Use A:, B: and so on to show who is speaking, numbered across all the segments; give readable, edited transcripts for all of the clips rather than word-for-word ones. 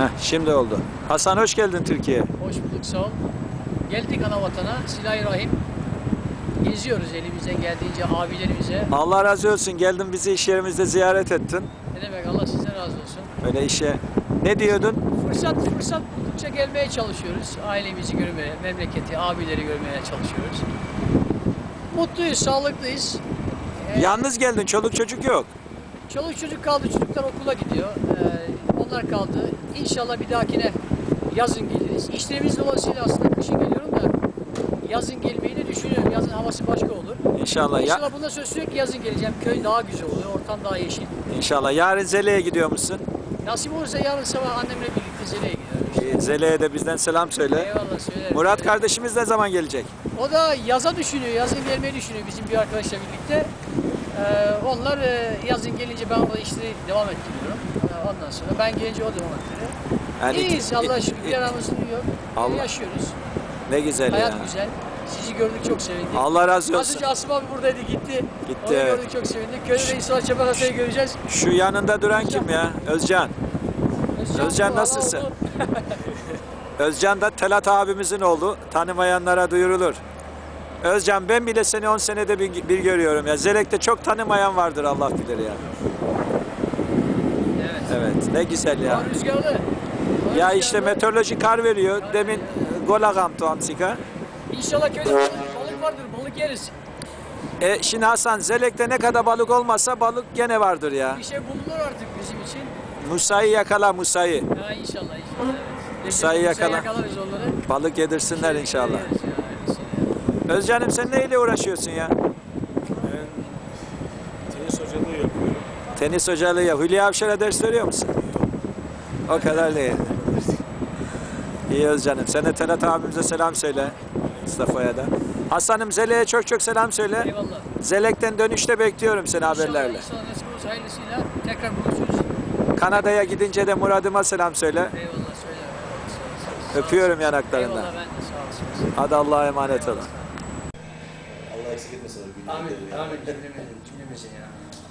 A: Şimdi oldu. Hasan hoş geldin Türkiye'ye.
B: Hoş bulduk, sağ ol. Geldik ana vatana, Silah-ı-Rahim. Geziyoruz elimizden geldiğince abilerimize.
A: Allah razı olsun. Geldin bizi iş yerimizde ziyaret ettin.
B: Ne demek, Allah sizden razı olsun.
A: Öyle işe. Ne diyordun?
B: Fırsat buldukça gelmeye çalışıyoruz. Ailemizi görmeye, memleketi, abileri görmeye çalışıyoruz. Mutluyuz, sağlıklıyız.
A: Yalnız geldin. Çoluk çocuk yok.
B: Çoluk çocuk kaldı, çocuklar okula gidiyor. Onlar kaldı. İnşallah bir dahakine yazın geliriz. İşlerimiz dolayısıyla aslında kışın geliyorum da yazın gelmeyi de düşünüyorum. Yazın havası başka olur.
A: İnşallah.
B: İnşallah bunda söz sürekli yazın geleceğim. Köy daha güzel oluyor, ortam daha yeşil.
A: İnşallah. Yarın Zele'ye gidiyor musun?
B: Nasip olursa yarın sabah annemle birlikte Zele'ye gidiyoruz.
A: Zele'ye de bizden selam söyle.
B: Eyvallah, söylerim.
A: Murat kardeşimiz ne zaman gelecek?
B: O da yaza düşünüyor, yazın gelmeyi düşünüyor bizim bir arkadaşla birlikte. Onlar yazın gelince ben orada işleri devam ettiriyorum. Ondan sonra ben gelince o devam ettiriyor.
A: Yani
B: İyiyiz, Allah'a şükür, bir aramız yok.
A: Allah-
B: Yaşıyoruz.
A: Ne güzel
B: Hayat
A: ya.
B: güzel. Sizi gördük, çok sevindik.
A: Allah razı
B: Az
A: olsun.
B: önce Asım abi buradaydı, gitti.
A: Gitti,
B: Onu
A: evet.
B: gördük, çok sevindik. Köyde İsmail Çapakasa'yı göreceğiz.
A: Şu yanında duran kim ya? Özcan. Özcan
B: bu,
A: nasılsın?
B: Allah oldu.
A: Özcan da Telat abimizin oğlu. Tanımayanlara duyurulur. Özcan, ben bile seni 10 senede bir görüyorum ya. Zelek'te çok tanımayan vardır, Allah bilir ya.
B: Evet.
A: Evet, ne güzel ya.
B: Hava rüzgarlı. Hava
A: Ya
B: rüzgarlı.
A: işte meteoroloji kar veriyor. Demin golagam tuamsika.
B: İnşallah köyde balık vardır, balık yeriz.
A: Şimdi Hasan, Zelek'te ne kadar balık olmasa balık gene vardır ya.
B: Bir şey bulunur artık bizim için.
A: Musa'yı yakala, Musa'yı.
B: Ha, inşallah, evet.
A: Musa'yı yakala.
B: Yakalarız onları.
A: Balık yedirsinler inşallah.
B: Yeriz ya, öylesine.
A: Özcan'ım, sen neyle uğraşıyorsun ya?
C: Ben tenis hocalığı yapıyorum.
A: Tenis hocalığı ya. Hülya Avşar'a ders veriyor musun? O kadar değil. İyi Özcan'ım. Sen de Telat abimize selam söyle. Mustafa'ya da. Hasan'ım, Zelek'e çok çok selam söyle.
B: Eyvallah.
A: Zelek'ten dönüşte bekliyorum seni haberlerle.
B: İnşallah nasip olursa hayırlısıyla tekrar buluşuruz.
A: Kanada'ya gidince de Murad'ıma selam söyle.
B: Eyvallah, söyle.
A: Öpüyorum yanaklarından.
B: Eyvallah, ben de sağ olasın.
A: Hadi Allah'a emanet olun.
C: Allah eksik etmesin.
B: Amin, amin. Cümlemizin ya.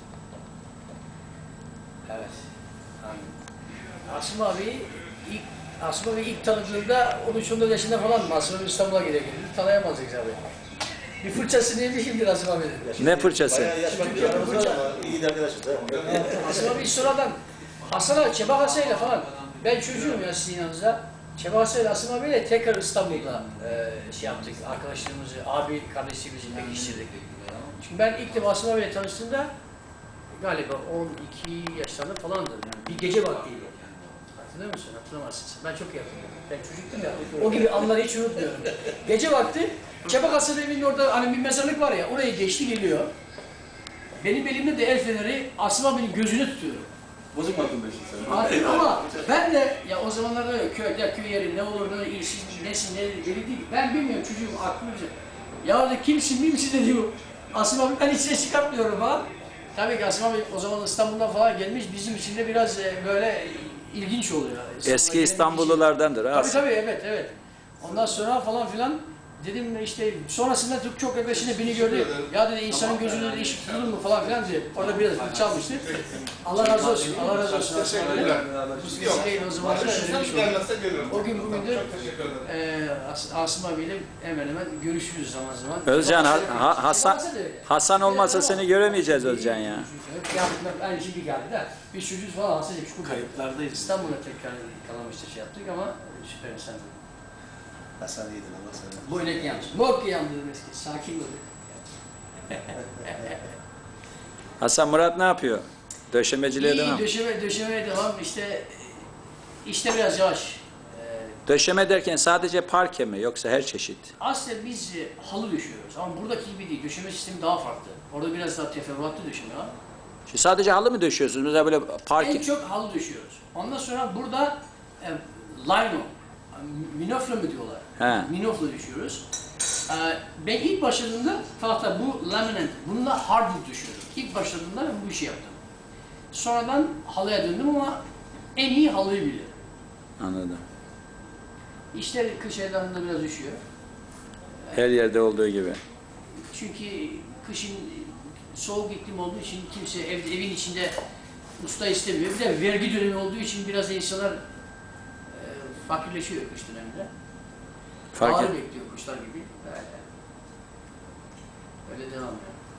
B: Evet. Amin. Asım abi ilk tanıdığımda 13-14 yaşında falan mı? Asım abi İstanbul'a gidiyor. Tanıyamazdık abi. Bir fırçası neydi şimdi Asım abi?
A: Ne fırçası?
C: Bayağı yaş farkı aramızda ama iyi de arkadaşız.
B: Asım abi sonradan Hasan'a, Çeba Hasan'yla falan. Ben çocuğum ya sizin yanınızda. Çeba Hasan'la Asım abiyle tekrar İstanbul'da şey yaptık. Arkadaşlığımızı, abi kardeşliğimizi pekiştirdik. Çünkü ben ilk defa Asım abiyle tanıştığımda galiba 12 yaşlarında falandı. Yani bir gece vaktiydi. Hatırlıyor musun? Hatırlamazsın. Ben çok iyi hatırlıyorum. Ben çocuktum ya. O gibi anları hiç unutmuyorum. Gece vakti Çabak Hasan evinin orada hani bir mezarlık var ya, oraya geçti geliyor. Benim elimde de el feneri, Asım abinin gözünü tutuyorum.
C: Bozuk mu aklın sen?
B: Artık ama ben de ya o zamanlarda köy yeri ne olur ne ilsiz nesin ne deli değil. Ben bilmiyorum, çocuğum aklımda bir şey. Ya de kimsin mimsin de diyor. Asım abi, ben hiç ses çıkartmıyorum falan. Tabii ki Asım abi o zaman İstanbul'dan falan gelmiş, bizim için de biraz böyle ilginç oluyor.
A: Eski İstanbullulardandır ha.
B: Tabii evet. Ondan sonra falan filan dedim işte sonrasında çok arkadaşıyla beni gördü. Ya dedi, insanın gözünde de iş tutulur mu falan filan diye. Orada biraz fırça almıştı. Allah razı olsun. Allah razı olsun.
C: Teşekkürler.
B: Bu vesileyle o zaman o gün bugündür Asım abiyle hemen hemen görüşürüz zaman zaman.
A: Özcan, Hasan olmasa seni göremeyeceğiz Özcan ya.
B: Aynı şimdi geldi de biz çocuğuz falan Hasan Çukur.
C: Kayıplardayız.
B: İstanbul'a tekrar kalamıştı şey yaptık ama süper insan.
C: Hasan iyidir, Allah sana.
B: Bu inek yanlış. Bok yandırdım eski. Sakin ol.
A: Hasan, Murat ne yapıyor? Döşemeciliğe devam.
B: Döşemeye devam. İşte biraz yavaş.
A: Döşeme derken sadece parke mi yoksa her çeşit?
B: Aslında biz halı döşüyoruz ama buradaki gibi değil. Döşeme sistemi daha farklı. Orada biraz daha teferruatlı döşeme var.
A: Şimdi sadece halı mı döşüyorsunuz? Mesela böyle parke...
B: En çok halı döşüyoruz. Ondan sonra burada lino, minofla mı diyorlar?
A: He.
B: Minofla döşüyoruz. Ben ilk başladığımda tahta bu laminat, bununla hardwood döşüyordum. İlk başladığımda ben bu işi yaptım. Sonradan halıya döndüm ama en iyi halıyı biliyorum.
A: Anladım.
B: İşler kış aylarında biraz düşüyor.
A: Her yerde olduğu gibi.
B: Çünkü kışın soğuk iklim olduğu için kimse evin içinde usta istemiyor. Bir de vergi dönemi olduğu için biraz insanlar fakirleşiyor kış döneminde.
A: Fark
B: Ağır
A: et.
B: bekliyor kuşlar gibi. Öyle devam ediyor.